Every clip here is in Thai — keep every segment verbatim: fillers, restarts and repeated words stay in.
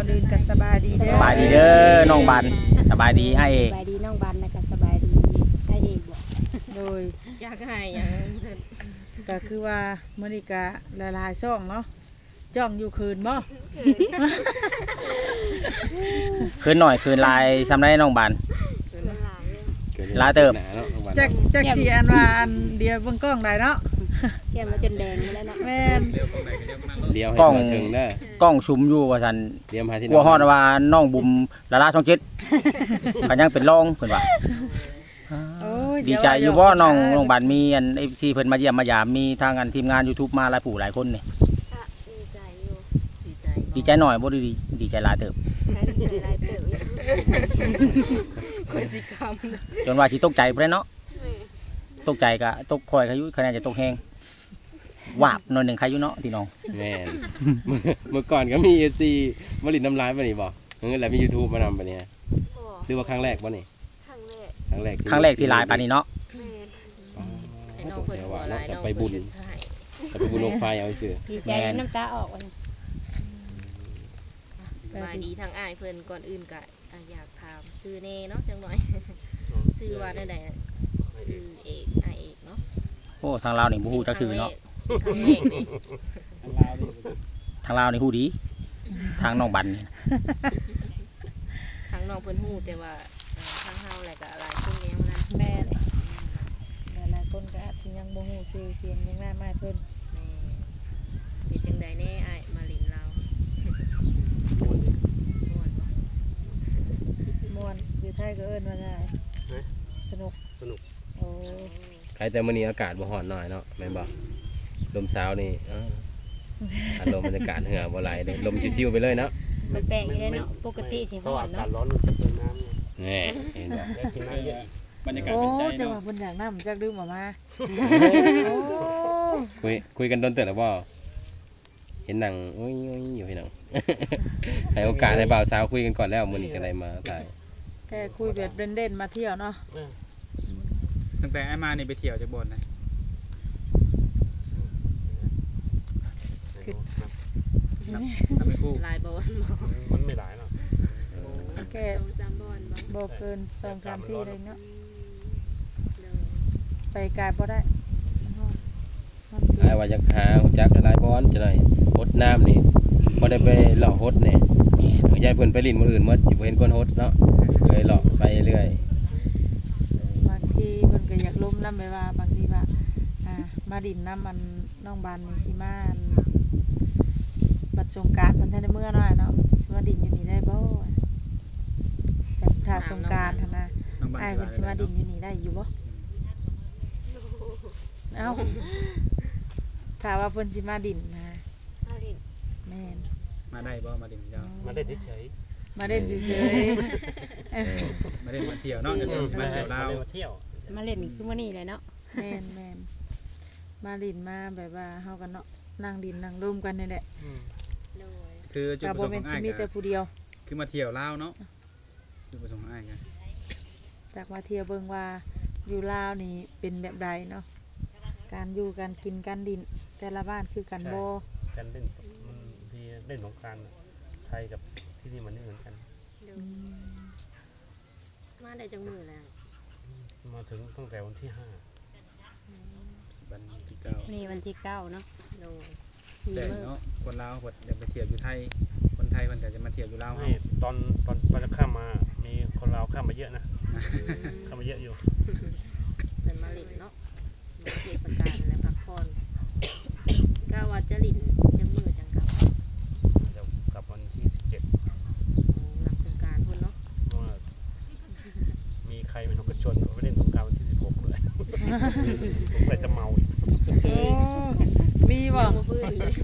อนอื่นก็สบายดีเด้อสบายดีเด้อน้องบันสบายดีไอ้เอกสบายดีน้องบันแล้วก็สบายดีไอ้เอกบ่โดยอยากให้อย่างนั้นเถิดก็คือว่ามื้อนี้ก็หลายๆช่องเนาะจ้องอยู่คืนบ่คืนหน่อยคืนลายซ้ำได้น้องบันเป็นหลายเรื่องลาเติบจักจักสิอันว่าอันเดียวเบิ่งกล้องได้เนาะเตรียมมาจนแดงหมดแล้วเนาะแม่นเลี้ยวให้กล้องถึงเด้อกล้องชุมอยู่ว่าซั่นเตรียมหาที่กลัวฮอดว่าน้องบุ๋มละลาช่องเจ็ดก็ยังเป็นรองเพิ่นว่าโอ้ยดีใจอยู่บ่น้องน้องบันมีอัน เอฟ ซี เพิ่นมาเยี่ยมมายามมีทางอันทีมงาน YouTube มาหลายผู้หลายคนนี่ก็ดีใจอยู่ดีใจดีใจหน่อยบ่ดีดีใจหลายเติบดีใจหลายเติบอยู่คนสิคำจนว่าสิตกใจพุ่นเนาะตกใจก็ตกคอยเขาอยู่คะแนนจะตกแฮงวาบหน่อยหนึงใครอยู่เนาะพี่น้องแม่น เมื่อก่อนก็มี เอฟ ซี มาลินน้ำลายบ่นี่บ่เงินแล้วมี YouTube มานำบ่เนี่ยหรือว่าครั้งแรกบ่นี่ครั้งแรกครั้งแรกครั้งแรกที่ลายปานนี้เนาะแม่นอ๋อไอ้น้องเพิ่นเดี๋ยวหัวว่าลาเนาะยจะน้องไปบุญเพิ่นใช่จะไปบุญลงไฟเอาซื่อดีใจน้ำตาออกว่ะสบายดีทางอ้ายเพิ่นก่อนอื่นก็อ่ะอยากถามซื้อแน่เนาะจังหน่อยซื้อว่าได้ใดซื้อเอกอ้ายเอกเนาะโอ้ทางลาวนี่บ่ฮู้จักชื่อเนาะครั้งแรกนี่ทางลาวนี่ฮู้ดี ทางน้องบันนี่ทางน้องเพิ่นฮู้แต่ว่าเอ่อทางเฮาแหละก็หลายคนก็ยังบ่ทันแม่นหลายๆคนก็อาจสิยังบ่ฮู้ชื่อเสียงยังหน้าไม้เพิ่นแม่เป็นจังใดแน่อ้ายมาลินเราวม่วนบ่ม่วนอยู่ไทยก็เอิ้นว่าไงสนุกสนุกโอ้ๆใครแต่มื้อนี้อากาศบ่ร้อนหน่อยเนาะแม่นบ่ลมเช้านี่เอออารมณ์บรรยากาศเหือบ่ไหลเด้ลมชิวๆไปเลยเนาะมันแปลงอยู่เลยเนาะปกติสิเพราะฮ้อว่าน อากาเนาะศร้อนมันจะเปิดน้ำไงแน่เห็นบ่อยากกินน้ำเยอะบรรยากาศโอ้เป็นใจจังหวะเนาะเพิ่นอยากนำจักดื่มออกมาโอ้คุยคุยกันโดนเติบแล้วบ่เห็นหนังโอ้ยๆอยู่พี่น้อง ให้โอกาสให้บ่าวสาวคุยกันก่อนแล้วมื้อนี้จังได๋มาตายแค่คุยแบบเล่นๆมาเที่ยวเนาะตั้งแต่ไอ้มานี่ไปเที่ยวจากบ่อนนะนับนับเป็นคู่หลายบ่วันบ่มันไม่หลายหรอกแค่สองสามบ่อนบ่บ่เกินสองสามที่เลยเนาะเลยไปไกลบ่ได้มันอายว่าจะหาฮู้จักหลายๆบอนจังได๋ฮดน้ำนี่บ่ได้ไปเลาะฮดนี่ยายเพิ่นไปลิ้นมื้ออื่นหมดสิบ่เห็นคนฮดเนาะเลยเลาะไปเรื่อยบางทีเพิ่นก็อยากล้มนำไปว่าบางทีว่าอ่ามาดินน้ำมันน้องบานนี่สิมาอันบัดสงกรานต์เพิ่นทันได้เมื่อน้อยเนาะสิมาดินอยู่นี่ได้บ่แต่ถ้าสงกรานต์หั่นนะน้องบ้านอ้ายเพิ่นสิมาดินอยู่นี่ได้อยู่บ่เอ้าถ้าว่าเพิ่นสิมาดินนะมาลินแม่นมาได้บ่มาดินเจ้ามาได้เฉยมาเล่นเฉยๆเออมาได้มาเที่ยวเนาะๆเดี๋ยวอืมมามาเที่ยวลาวมาเที่ยวมาเล่นนี่คือมื้อนี้เลยเนาะๆแม่นแม่นมาลินมาแบบว่าเฮากันเนาะนั่งดินนั่งร่มกันนี่แหละอืมเลยคือจุดก็ประบ่สงค์ขแม่อน งสิอ้ายมีแต่ก็ผู้เดียวคือมาเที่ยวลาวเนาะจุดประสงค์ของอ้ายกันจากมาเที่ยวเบิ่งว่าอยู่ลาวนี่เป็นแบบใดเนาะการอยู่การกินการดินแต่ละบ้านคือกันบ่การเล่นมันที่เล่นสงกรานต์ไทยกับที่นี่มันไม่เหมือนกันเลยมาได้จังมือแล้วมาถึงตั้งแต่วันที่ห้าวันที่เก้าวันนี้วันที่เก้าเนาะเลยสี่แต่มื้อเนาะคนลาวเพิ่นอยากไปเที่ยวอยู่ไทยคนไทยเพิ่นก็จะมาเที่ยวอยู่ลาวไม่เฮาตอนตอนตอนจะข้ามมา มีคนลาวข้ามมาเยอะนะข้ามมาเยอะอยู่เป็นมาลินเนาะมาเทศกาลและพักผ่อนก็ว่าจะลินจังมือจังกับเดี๋ยวกลับวันที่สิบเจ็ดหลังสงกรานต์พุ่นเนาะเพราะว่ามีใครเป็นคนกระชวนไปเล่นสงกรานต์วันที่สิบหกเลยสงสัยจะเมาอีกโอ้มีบ่ยังบ่ฟื้นเลย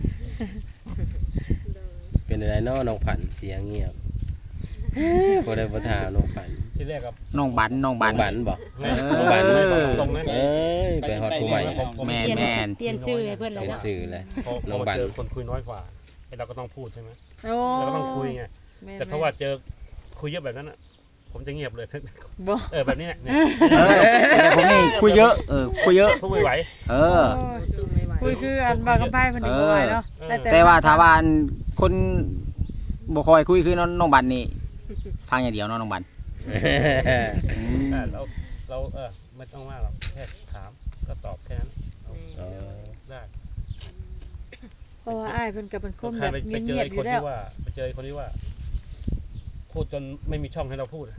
เลยเป็นอะไรเนาะน้องผันเสียงเงียบบ่ได้บ่ถามน้องผันที่แรกกับน้องบันน้องบับันนบันบ่น้องบันไม่ตรงนะเอ้ยไปฮอดผู้ใหม่แม่นเปลี่ยนแม่นเปลี่ยนชื่อให้เพิ่นแล้วเป็นเนาะชื่อเลยพอพน้อองมาบันเจอคนคุยน้อยกว่าไอ้เราก็ต้องพูดใช่ไหมโอ้เราก็ต้องคุยไงม่นแต่ถ้าว่าเจอคุยเยอะแบบนั้นอ่ะ ผมจะเงียบเลยบ่เออแบบนี้เนี่ยเออแต่ผมนี่คุยเยอะเออคุยเยอะพูดไม่ไหวเออโอ้ยสู้ไม่ไหวคุยคืออันบางกระไพ่เพิ่นนี่บ่ไหวเนาะเออแต่แต่ว่าถ้าว่าอันคนบ่ค่อยคุยคือน้องน้องบันนี่ฟังอย่างเดียวเนาะน้องบันอ่าเราเราเออไม่ต้องว่าหรอกแค่ถามก็ตอบแค่นั้นเอาเออได้เพราะว่าอ้ายเพิ่นก็เป็นคนใครแบบไปไปเจอเงียบไอ้ๆอคนยู่แล้วที่ว่าไปเจอไอ้คนที่ว่าพูดจนไม่มีช่องให้เราพูด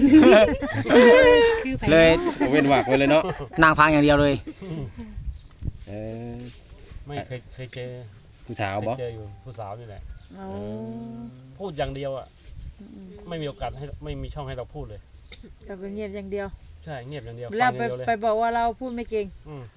คือไผเลยเว้นวรรคไว้เลยเนาะนั่งฟังอย่างเดียวเลยเออไม่เคยเคยเจอผู้สาวเคบ่ยเจออยู่ผู้สาวนี่แหละอ๋อพูดอย่างเดียวอ่ะไม่มีโอกาสให้ไม่มีช่องให้เราพูดเลยก็เป็นเงียบอย่างเดียวใช่เงียบอย่างเดียวแล้วฟังอไปย่างเดียวเลยไปบอกว่าเราพูดไม่เก่งอืม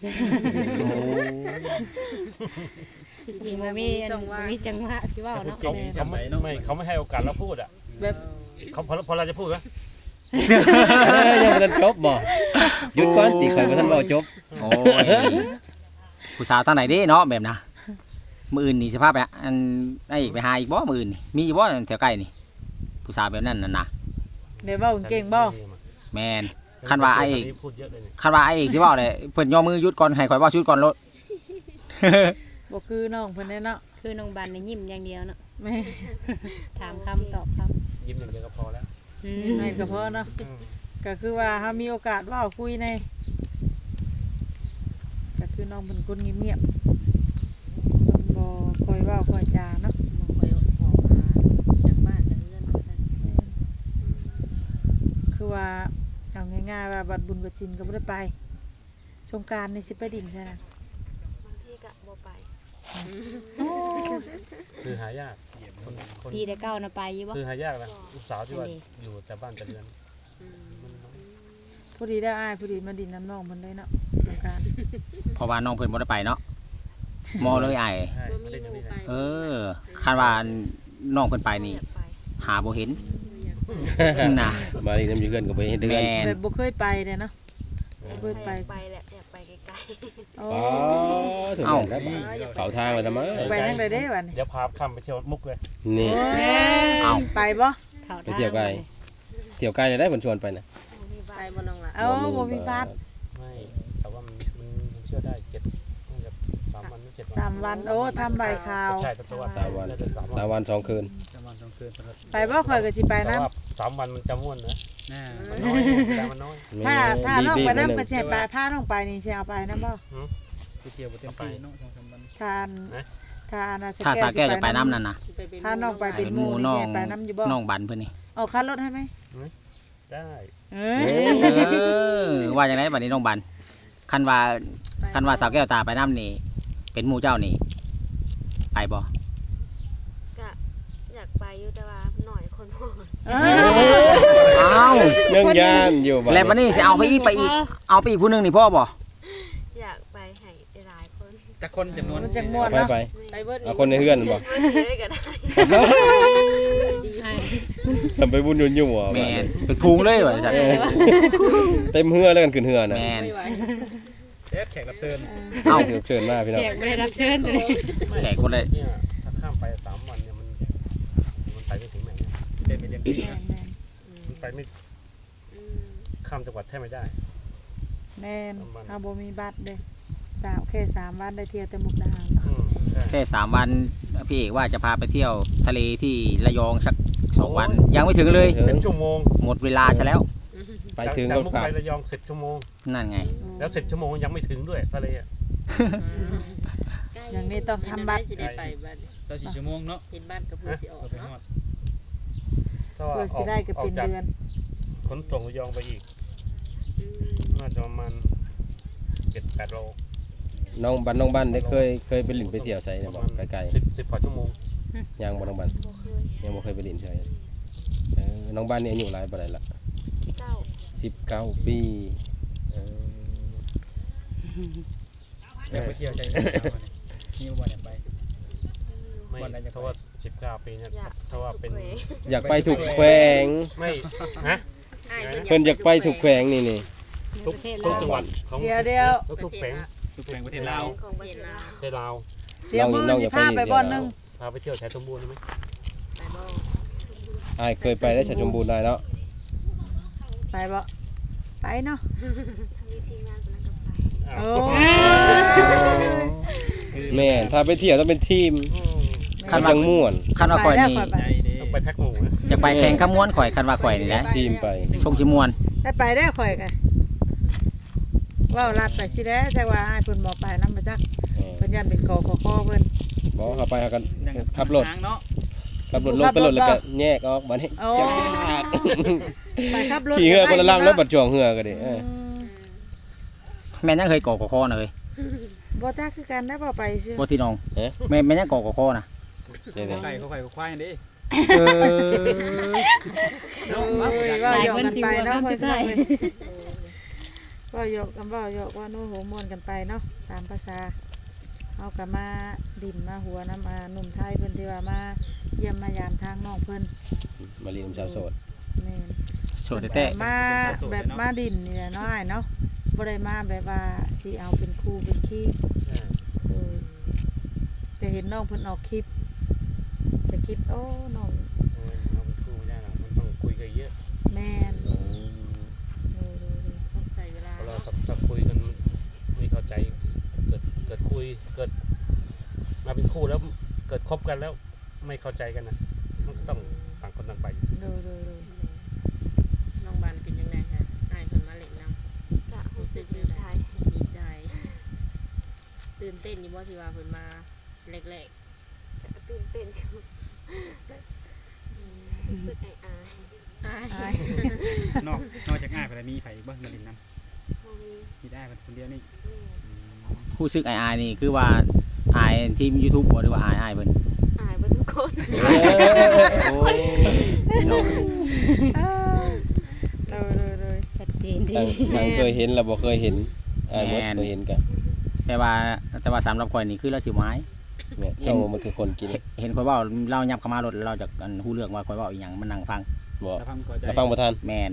จริงๆมันมีอันบ่มีจังหวะสิเว้าเนาะเขาเขาไม่ไม่เขาไม่ให้โอกาสเราพูดอ่ะแบบเขาพอพอเราจะพูดไหมยังบ่ทันจบบ่หยุดก่อนติข่อยบ่ทันเว้าจบโอ้ยผู้สาวทางไหนเด้เนาะแบบนะมื้ออื่นนี่สิพาไปอันไอ้อีกไปหาอีกบ่มื้ออื่นนี่มีบ่แถวใกล้นี่ผู้สาวแบบนั้นน่ะนะเดี๋ยวเว้าเก่งบ่แม่นคันว่าไอ้เอกพูดเยอะเลยเนี่ยคันว่าไอ้เอกสิเว้าเลยเพิ่นย่อมือหยุดก่อนให้ข่อยเว้าชุดก่อนโลดบ่คือน้องเพิ่นแน่เนาะคือน้องบันนี่ยิ้มอย่างเดียวเนาะแม่ถามคำตอบคำยิ้มอย่างเดียวก็พอแล้วอืมไม่ก็พอเนาะอืมก็คือว่าเฮามีโอกาสเว้าคุยในก็คือน้องเป็นคนเงียบๆคนบ่ค่อยเว้าค่อยจาเนาะบ่ค่อยออกมาจากบ้านจากเรือนว่าซั่นคือว่าเอาง่ายๆว่าบัดบุญบัดจินก็บ่ได้ไปสงกรานต์นี่สิไปดิ่งใช่นะบางทีก็บ่ไปคือหายากคนคนปีแต่เก้านะไปอยู่บ่คือหายากนะลูกสาวที่ว่าอยู่แต่บ้านแต่เรือนมันน้อยผู้ดีได้อ้ายผู้ดีมาดิ่งน้ำน้องเพิ่นเลยเนาะสงกรานต์เพราะว่าน้องเพิ่นบ่ได้ไปเนาะมอเลยไอ้ใช่บ่ไม่มีได้หอย่างมู่นี้ไปนะเออคันว่าน้องเพิ่นไปนี่อยากไปหาบ่เห็นอยากน่ะมานี่น้ำอยู่เฮือนก็บ่เห็นเดือนแม่นแบบบ่เคยไปเลยเนาะอยากเพิ่นไปไปแหละอยากไปไกลโอ้อ๋อถึงแล้วครับเข้าทางแล้วนะมั้งไปทางใดเด้บัดนี้เดี๋ยวพาข้ามไปเที่ยวมุกเลยนี่เอ้าไปบ่เข้าไปทางเที่ยวไกลเที่ยวไกลได้เพิ่นชวนไปนะๆมีบ้าไปนบ่น้องล่ะเอ้าบ่มีบัตรไม่แต่ว่ามันมันมันเชื่อได้เจ็ดน่าจะสามวันหรือเจ็ดวันสามวันโอ้ทำใบข่าวใช่แต่ว่าสามวันน่าจะสามสามวันวันสองคืนประมาณสองคืนสำหรับไปบ่ข่อยก็สิไปแต่นํว่าสามวันมันจะม่วนนะหน้ามันน้อยแต่มันน้อยถ้าถ้าน้องไปนํรีบๆก็นิดสิให้ไปพาน้องไปนี่สิเอาไปนํบ่ไปเที่ยวบ่เต็มที่เนาะสองสามวันทานทานน่ะถ้าสาแก้วจะไปน้ำนั่นน่ะสิไปเป็นพาน้องไปเป็เป็นนหหมู่มู่นี่น้อสิงให้ไปนํอยู่บ่น้องบันเพิ่นนี่เอาค่ารถให้ไหมได้เอ้ยเออว่าจังไดบัดนี้น้องบันคันว่าคันว่าสาวแก้วตาไปน้ำนี่เป็นหมู่เจ้านี่ไปบ่ก็อยากไปอยู่แต่ว่าหน่อยคนพอเอ้ยเอ้าเรื่องย่านอยู่บ้านแล้วบัดนี้สิเอาไปอีกไปอีกเอาไปอีกผู้หนึงนี่พ่อบ่อยากไปให้หลายคนจักคนจำนวนมันจังม่วนไปเนาะไปไปเบิดเอาคนในเฮือนบ่เมื่อกี้ก็ได้ใช่ทำไปบุญยุ่นยุ่งบ่แม่นเป็นฟูงเลยว่าจังเออเต็มเฮือแล้วกันขึ้นเฮือนะแม่นไม่ไหวเอ๊ะแขกรับเชิญเอ้าเชิญมาพี่น้องแขกบ่ได้รับเชิญตัวนี้แขกคนเลยเนี่ยถ้าข้ามไปสามวันเนี่ยมันมันไปไม่ถึงไหนนะเต็มไปเต็มที่แม่นะนแม่นมันไปไม่ข้ามจังหวัดแทบไม่ได้แม่นเอาบ่มีบัตรเด้สามแค่สามวันได้เที่ยวแต่มุกดาหารเนาะอืมใช่แค่สามวันพี่เอกว่าจะพาไปเที่ยวทะเลที่ระยองสักสองวัน ยังไม่ถึงเลยสิบชั่วโมงหมดเวลาซะแล้วไปถึงจากรถมุกกลับไประยองสิบชั่วโมงนั่นไงแล้วสิบชั่วโมงยังไม่ถึงด้วยทะเลอะอย่างนี้ต้องทำบัตรสิได้ไปบ้านเจ้าสี่ชั่วโมงเนาะเห็นบ้านกับเพื่อนสิออกเราไปฮเนาะอดถ้าว่าเพื่ออสิอกได้ก็ออเป็กนจากเดือนขนส่งระยองไปอีกน่าจะประมาณเจ็ดแปดโลน้องบ้านน้องบ้านได้เคยเคยไปลินไปเที่ยวไสเนี่ยบ่ไกลสิบสิบกว่าชั่วโมงๆยังบ่น้องบ้านบ่เคยยังบ่เคยไปลินใช่เออน้องบ้านนี่อายุหลายปานใดล่ะเก้าสิบเก้าปีเอออยากไปเที่ยวใจเช้าเนี่ยมีบ่อยากไปไม่วันไหนจะไปเพราะว่าสิบเก้าปีเนี่ยอยากถ้าว่าเป็นทุกวอยากไปถูกแขวงไม่ฮะอ้ายเพิ่นอยากไปถูกแขวงนี่นี่ทุกประเทศทุกลาวจังหวัดของเดี๋ยวเดี๋ยวทุกทุกแผงทุกแห่งประเทศลาวของประเทศลาวประเทศลาวเดี๋ยวมื้อสิพาไปบ่อนหนึงพาไปเที่ยวชายสมบูรณ์ได้ไหมไปบ่อ้ายเคยไปได้ชาชมบูรณ์ได้เนาะไปบ่ไปเนาะมีทีมงานกำลังจะไปอ้าวโอ้แม่ถ้าไปเที่ยวต้องเป็นทีมอืมคันจัว่างม่วนคันว่าคอยไปแล้วนี่ค่อยไปใจเด้ไปแพ็คหมูนะอยากไปแข่งขมวนข่อยคันว่าข่อยนี่แหละทีมไปชงชิมวนได้ไปได้ข่อยกันว่าวลัดไปสิแด้แต่ว่าอ้ายเพิ่นบ่ไปนำมาจักเออเพิ่นยันเป็นกอขอคอเพิ่นบ่เข้าไปหากันยังขับรถทางเนาะขับรถลงไปรถแล้วก็แยกออกบัดนี้โอ้จ้าไปขับรถขี่เหือคนละลำแล้วบัดจ่วงเหือก็ดิเออแม่นยังเคยก่อกอคอนะเอ้ยบ่จักคือกันได้บ่ไปซื่อบ่ที่น้องเอ๊ะแม่นแม่นยังก่อกอคอนะนี่ไก่เขาไก่เขาควายนี่เออเนาะว่าว่าหยอกกันไปเนาะหลายคนสิเพิ่นว่าว่าหยอกกันว่าหยอกว่าโน้โหม่วนกันไปเนาะตามภาษาเฮาก็มาดินมาหัวน้ำมาหนุ่มไทยเพิ่นที่ว่ามาเยี่ยมมายามทางน้องเพิ่นมาลีนชาวโสดแม่นโสดแต่มาแบบมาดินนี่แหละเนาะอ้ายเนาะบ่ได้มาแบบว่าสิเอาเป็นครูเป็นขี้เออจะเห็นน้องเพิ่นออกคลิปจะคิดโอ้น้องเอาเป็นคู่ไม่ได้หรอกมันต้องคุยกันเยอะแม่นเออเออเออต้องใส่เวลาพอเราสักคุยกันไม่เข้าใจเกิดเกิดคุยเกิดมาเป็นคู่แล้วเกิดคบกันแล้วไม่เข้าใจกันนะมันก็ต้องต่างคนต่างไปเออเออเออน้องบานเป็นยังไงคะอ้ายเพิ่นมาเล่นนำกะรู้สึกดีใจดีใจ ตื่นเต้นอยู่บ่ที่ว่าเพิ่นมาแรกกะตื่นเต้นจังรู้สึกอายอายๆอ้ายอายนอกนอกจากง่ายไปแล้วมีไผอีกบ่มาดินน้ำบ่มีมีได้มันคนเดียวนี่แม่ผู้ซึกอายๆนี่คือว่าอายทีม YouTube บ่หรือว่าอายอายเพิ่นอายบ่ทุกคนโอ้ยพี่น้องเออเออเออชัดเจนดีทางทางเคยเห็นแล้วบ่เคยเห็นอ้ายบ่เคยเห็นกันแต่ว่าแต่ว่าสำหรับข่อยนี่คือเราสิไม้แม่เรามันคือคนกินเห็นข่อยเว้าเรายับเข้ามารถเราจะอันฮู้เรื่องว่าข่อยเว้าอีหยังมันนั่งฟังบ่ถ้าฟังเข้าใจเราฟังบ่ทันแมน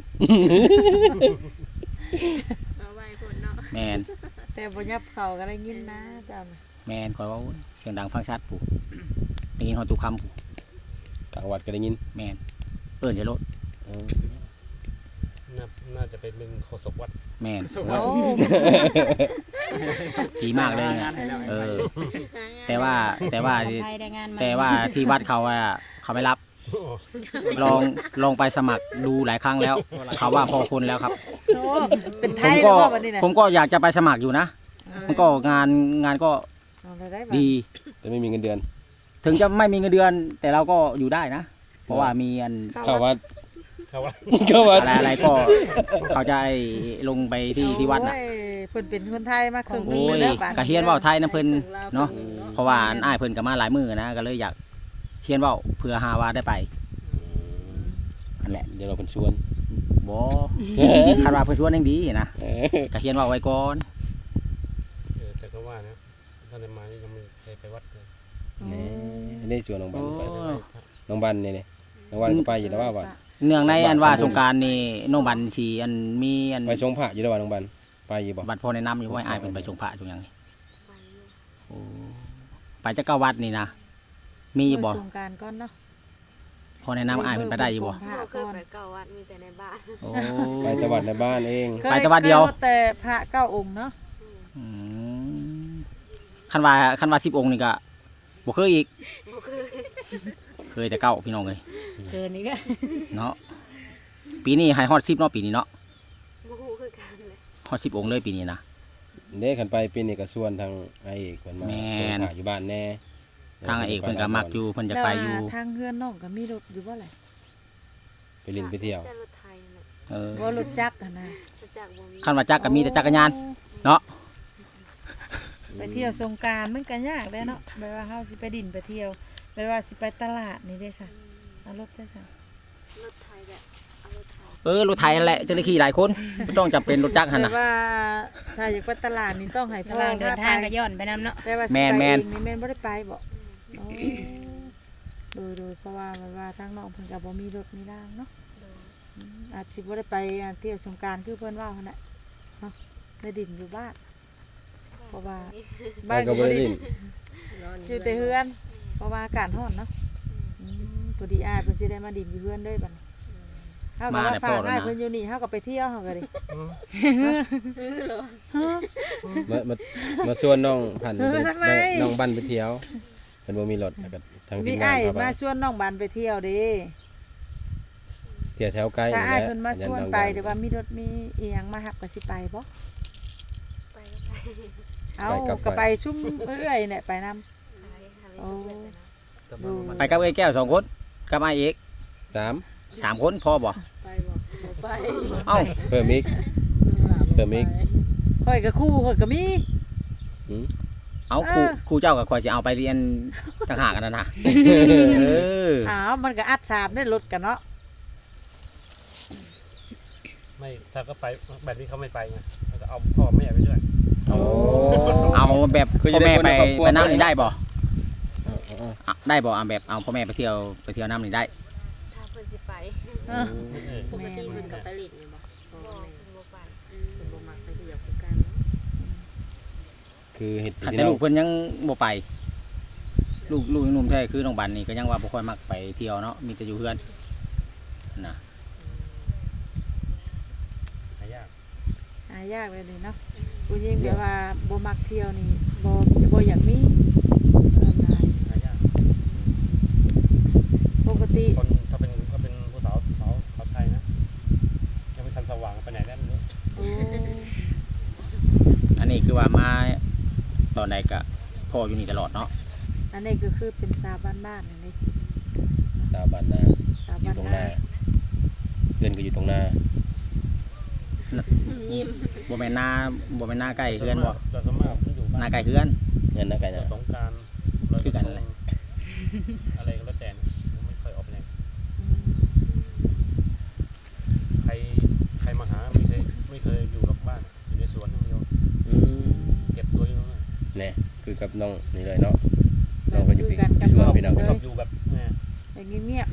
เอาไว้เพิ่นเนาะแมนแต่บ่ยับเข้าก็ได้ยินนะเจ้าน่ะแมนข่อยเว้าเสียงดังฟังชัดผู้ได้ยินฮอดทุกคำผู้กลางวัดก็ได้ยินแมนเอิ้นจะรถเออน่าน่าจะเป็นเป็นโฆษกวัดแมนสุขโอ้ดีมากเลยงานให้แล้วเออ แต่ว่าแต่ว่าไทยได้งานมาแต่ว่าที่วัดเขาอะเขาไม่รับ ลองลองไปสมัครดูหลายครั้งแล้ว เขาว่าพอคนแล้วครับโหเป็นไทผมยก็แล้วบ่บัดนี้น่ะผมก็อยากจะไปสมัครอยู่นะ มันก็งานงานก็เอาเลยได้บ่ดีแต่ไม่มีเงินเดือนถึงจะไม่มีเงินเดือน แต่เราก็อยู่ได้นะ เพราะว่ามีอันเข้าวัดเขาว่าเข้าวัดอะไรอะไรก็เขาจะให้ลงไปที่ที่วัดน่ะโอ้ยเพิ่นเป็นคนไทยมาครึ่งโอ้ปียแล้วบาดกะเฮียนเว่าไทยนะเพิ่นเนาะเพราะว่าอันอ้ายเพิ่นก็มาหลายมือนะก็เลยอยากเฮียนเว่าเพื่อหาว่าได้ไปอันแหละเดี๋ยวเราเป็นชวนบ่คาดว่าเพิ่นชวนยังดีนะเออกะเฮียนเว่าไว้ก่อนเออแต่ก็ว่านะท่านได้มานี่ยังไม่เคยไปวัดเลยนี่นี่ชวนน้องบันโอ้ไปน้องบันนี่นี่น้องบันก็ไปอยู่แล้วว่าวัดเนื่องในอันว่าสงกรารนี่น้องบันสิอันมีอันไปทรงพระอยู่แล้วว่าน้องบันไปอยู่บ่บัตรพอแนะนำอยู่ว่าอ้ายเพิ่นไปส่งพระส่งหยังนี่ไปอยู่โอ้ไปจักกะวัดนี่นะมีอยู่บ่สงกรานต์ก่อนเนาะพอแนะนำอ้ายเพิ่นไปได้อยู่บ่พบ่ระเคก่ยอนไปเก่าวัดมีแต่ในบ้านโอ้ไปจังหวัดในบ้านเองไปแต่วัดเดียวคแต่พระเก้าองค์เนาะอืมคันว่าคันว่าสิบองค์นี่ก็บ่เคยอีกบ่เคยเคยแต่เก้าพี่น้องเอ้ยเกินอีกแล้วเนาะปีนี้ให้ฮอดสิบเนาะปีนี้เนาะบ่ฮู้คือกันเลยฮอดสิบองค์เลยปีนี้นะเด้ขันไปปีนี้ก็ส่วนทางไอ้เอกเพิ่นมาแม่ส่งนพระอยู่บ้านแน่ทางเอกเพิ่นก็มักอยู่เพิ่นจะไปอยู่แล้วทางเฮือนน้องก็มีรถอยู่บ่ล่ะไปลินไปเที่ยวแต่รถไทยน่ะเออบ่รถจักรอะนะรถจักรบ่มีคันว่าจักรก็มีแต่จักรยาน เนาะไปเที่ยวสงกรานต์มันก็ยากเด้เนาะแบบว่าเฮาสิไปดินไปเที่ยวแบบว่าสิไปตลาดนี่เด้ซะเอารถจ้ะจ้ะรถไทยแบบเอารถไทยเออรถไถนั่นแหละจะได้ขี่หลายคนบ่ต้องจำเป็นรถจักรหั่นแต่น่ะว่าถ้าอยากไปตลาดนี่ต้องให้ระพ่หอว่างเดินทางก็พย้อนไปนำเนาะแต่ว่าสิแม่นไปแม่นเองนี่แม่นบ่ได้ไปบ่โอ้โดยโดยเพราะว่ามันว่าทางน้องเพิ่นก็บ่มีรถมีรางเนาะอืมอาจสิบ่ได้ไปเที่ยวสงกรานต์คือเพิ่นว่าหั่นน่ะเนาะได้ดินอยู่บ้าน เพราะว่าบ้านก็บ่ได้ลินอยู่แต่เฮือน เพราะว่าอากาศร้อนเนาะอืมพอดีอ้ายเพิ่นสิได้มาดินอยู่เฮือนด้วยบัดนี้เฮาก็มาว่าได้ฝากพอแล้วนะอ้ายเพิ่นอยู่นี่เฮาก็ไปเที่ยวเฮาก็ดิมามามาส่วนน้องพันธุ์เออทำไมน้องบันไปเที่ยวเพิ่นบ่มีรถแล้วก็ทางทีมีมงาอ้าน ยเข้าไปมาชวนน้องบันไปเที่ยวเด้เที่ยวแถวใกล้ถ้าอ้ายแหละเพิ่นมาชวนไปยัเดี๋ยวว่ามีรถมีอีหยังมารับก็สิไปบ่ไปก็ไปเอาก็ไปชุ่มเอื้อยเนี่ยไปนำหายหาไม่สุดเลยนะแต่ว่ามันไปกับเอ้ยแก้วสองคนกับอ้ายเอกสามสามคนพอบ่ไปบ่บ่ไปเอ้าเพิ่มอีกเพิ่มอีกข่อยก็คู่ข่อยก็มีหืมเอาครูครูเจ้ากับข่อยสิเอาไปเรียนต่างหากกันนะนะเอออ้าวมันก็อัดสามได้รถกันเนาะไม่ถ้าก็ไปแบบนี้เขาไม่ไปไงแล้วก็เอาพ่อแม่ไปด้วยโอ้เอาแบบคือพ่จะอได้แม่คนไปในครอบครัวไปน้ำนี่ได้บ่เออเอออ่ะได้บ่เอาแบบเอาพ่อแม่ไปเที่ยวไปเที่ยวน้ำนี่ได้ถ้าเพิ่นสิไปเออเออปกติเพิ่นก็ไปเล่นนี่บ่พ่อบ่แม่เพิ่นบ่ไปเพิ่นบ่มักไปเที่ยวคือกันเนาะคือเห็ดขันพี่แต่น้อลูงกเพิ่นยังบ่ไป ลูกลูกยังหนุ่มแท้คือน้องบันนี่ก็ยังว่าบ่ค่อยมักไปเที่ยวเนาะมีแต่อยู่เฮือนนะหายากหายากเลยนี่เนาะผู้หญิงแบบว่าบ่มักเที่ยวนี่บ่มีจะบ่อยากมีส่วนหลายหายากปกติคนถ้าเป็นถ้าเป็นผู้สาวสาวสาวไทยนะยังไม่ทันสว่างไปไหนได้ไม่รู้โอ้อันนี้คือว่ามาตอนไหนก็พ่ออยู่นี่ตลอดเนาะอันนี้ก็คือเป็นสาวบ้านๆนั่นเองสาวบ้านนาสาวอยู่บ้านตรงหนาน้าเพื่อนก็อยู่ตรงหน้ายิ้มบ่แม่นหน้าบ่แม่นหน้าใกล้เฮือนบ่เราสมมติอยู่หบ้าน้าน ใกล้เฮือนเงินนะไก่นะสงกรารคือกันแหละอะไรก็แล้วแต่นะผมไม่เคยออกไปไหนใครใครมาหาไม่เคยไม่เคยอยู่หรอกบ้านอยู่ในสวนอย่างเดียวอืมเก็บตัวอยู่นั่นแหละเนี่ยคือกับน้องนี่เลยเนาะน้องก็อยู่คืพี่กันที่สวนพี่น้องเลชอย บอยู่แบบแหม่อย่างเงียบ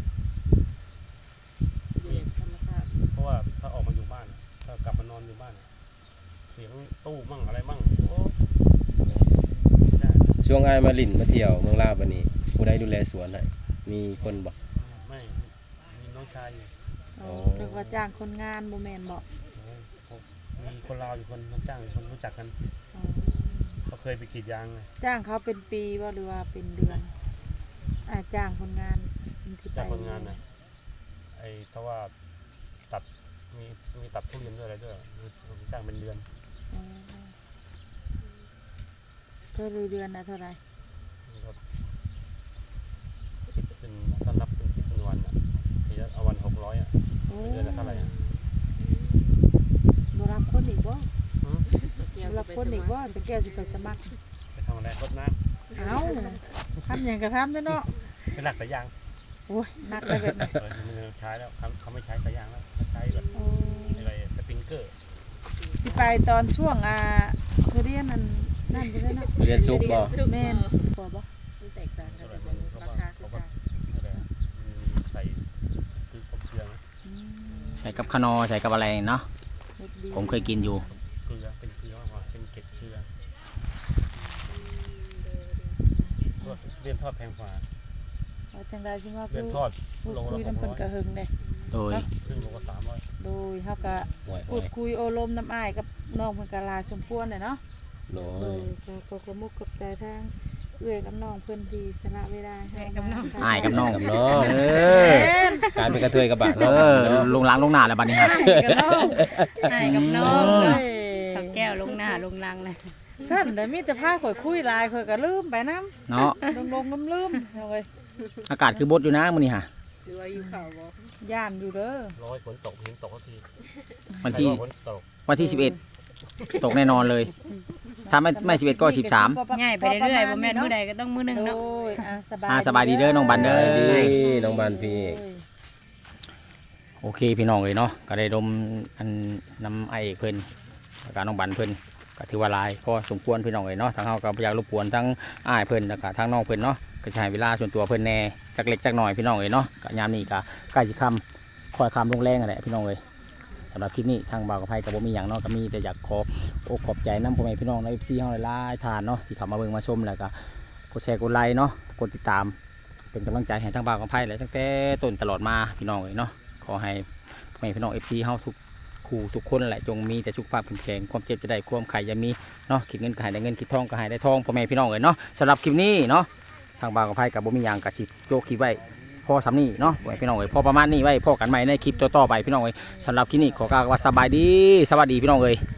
อยู่แบบธรรมชาติเพราะว่าถ้าออกมาอยู่บ้านอะถ้ากลับมานอนอยู่บ้านอะเสียงตู้มั่งอะไรมั่งโอ้ไม่ได้ช่วงอ้ายมาลินมาเที่ยวเมืองลาวบัดนี้ผู้ใดดูแลสวนให้มีคนบอกไม่มีน้องชายอยู่ๆโอ้เรียกว่าจ้างคนงานบ่แม่นบ่โอ้ยผมมีคนลาวอยู่คนน้ำจ้างอยู่คนรู้จักกันอ๋อเขาเคยไปกรีดยางไงจ้างเขาเป็นปีบ่หรือว่าเป็นเดือนอ่าจ้างคนงานที่ไปจากคนงานนะไอ้ถ้าว่าตัดมีมีตัดทุเรียนด้วยอะไรด้วยมีจ้างเป็นเดือนอ๋อเท่าเดือนนะเท่าไหร่มันก็คิดเป็นถ้านับเป็นคิดเป็นวันอ่ะทีละเอาวันหกร้อยอ่ะโอ้เดือนละเท่าไหร่อ่ะบ่รับคนอีกบ่หืมเกี่ยวบ่กัรับบ ไปคนสอีกมับ่ครสแกวสิไปสมัครไปทำอะไรรดน้เอ้าทำหยังก็ทำเด้อเนาะำเป็นหลักสายยางโอ้ยหนักเลยแบบนี้เออมันใช้แล้วเขาเขาไม่ใช้สายยางแล้วเขาใช้แบบโอ้อะไรสปริงเกอร์สิไปตอนช่วงอ่าทุเรียนนั่นนั่นไปเลยเนาะเรียนซุกบ่แม่นบ่บ่มันแตกต่างกันอะไรแต่มันเขาราก็คาคืเขาอก็กันอะไรอะมีใส่คือครบเครื่องอืมใส่กับขนอใส่กับอะไรเนาะเฮ็ดดีผมเคยกินอยู่เกลือเป็นเกลือมากกว่าเป็นเกล็ดเกลือตัวเรียนทอดแพงกว่าเอาจังได๋สิว่าเรียนทอดพูดโลคุละยหนํกเพิ่ร้นอยก็หึงเด้โดยครึ่งโลก็สามร้อยโดยเฮาก็ห่วยพูดคุยโอลมน้ำอ้ายกับน้องเพิ่นก็หลายสมควรเลยเนาะโหโดยก็ก็กระมุกกับใจทางเอื้อยกับน้องเพิ่นที่สละเวลาให้กับน้องอ้ายกับน้องกับน้องเออแม่นการเป็นกระเทยกับบาทเอเนาะอเนาะลงล้างลงหน้าแล้วบัดนี้ฮะอ้ายกับน้องใช่กับน้องโอ้เนาะยสาวแก้วลงหน้าลงลังเลยสั่นแต่มีแต่พาข่อยคุยหลายข่อยก็ลืมไปนำเนาะลงๆลืมๆเอาไว้อากาศคือบดอยู่นะมื้อนี้ฮะหรือว่าอยู่เขาบ่ย่านอยู่เด้อร้อยฝนตกเห็นตกสักทีวันที่ใครว่าฝนตกวันที่สิบเอ็ดตกแน่นอนเลย ถ้าไม่ไม่สิบเอ็ดก็สิบสามง่ายไปเรื่อยๆบ่แม่นมื้อใดก็ต้องมื้อหนึงโดเนาะยอ่ะสบายอ่าสบายดีเด้อน้องบันเด้อดีน้องบานพี่โอเคพี่น้องเลยเนาะก็ได้ดมอันน้ำไอเอกเพิ่นแล้วก็น้องบันเพิ่นก็ถือว่าหลายพอสมควรพี่น้องเลยเนาะทางเฮาก็บ่อยากรบกวนทั้งอ้ายเพิ่นแล้วก็ทั้งน้องเพิ่นเนาะก็จะให้เวลาส่วนตัวเพิ่นแหน่จักเล็กจักน้อยพี่น้องเลยเนาะก็ยามนี้ก็ใกล้สิค่ำค่อยค่ำลงแรงนั่นแหละพี่น้องเลยสำหรับคลิปนี้ทางบ่าวกับไผก็บ่มีหยังเนาะก็มีแต่อยากขอ อกขอบใจน้ำพ่อแม่พี่น้องใน เอฟ ซี เฮาหลายๆทานเนาะที่เข้ามาเบิ่งมาชมแล้วก็กดแชร์กดไลค์เนาะกดติดตามเป็นกำลังใจให้ทั้งบ่าวกับไพ่และตั้งแต่ต้นตลอดมาพี่น้องเลยเนาะขอให้พ่อแม่พี่น้อง เอฟ ซี เฮาทุกคู่ทุกคนแหละจงมีแต่สุขภาพแข็งแรงความเจ็บจะได้ความไข่จะมีเนาะคิดเงินก็ให้ได้เงินคิดทองก็ให้ได้ทองพ่อแม่พี่น้องเลยเนาะสำหรับคลิปนี้เนาะทางบางกะไพกับบ่มีหยังกะสิโยกคลิปไว้พอสำนี้เนาะไว้พี่น้องเอ้ยพอประมาณนี้ไว้พอกันใหม่ในคลิปต่อๆไปพี่น้องเอ้ยสำหรับคลิปนี้ขอกล่าวว่าสบายดีสวัสดีพี่น้องเอ้ย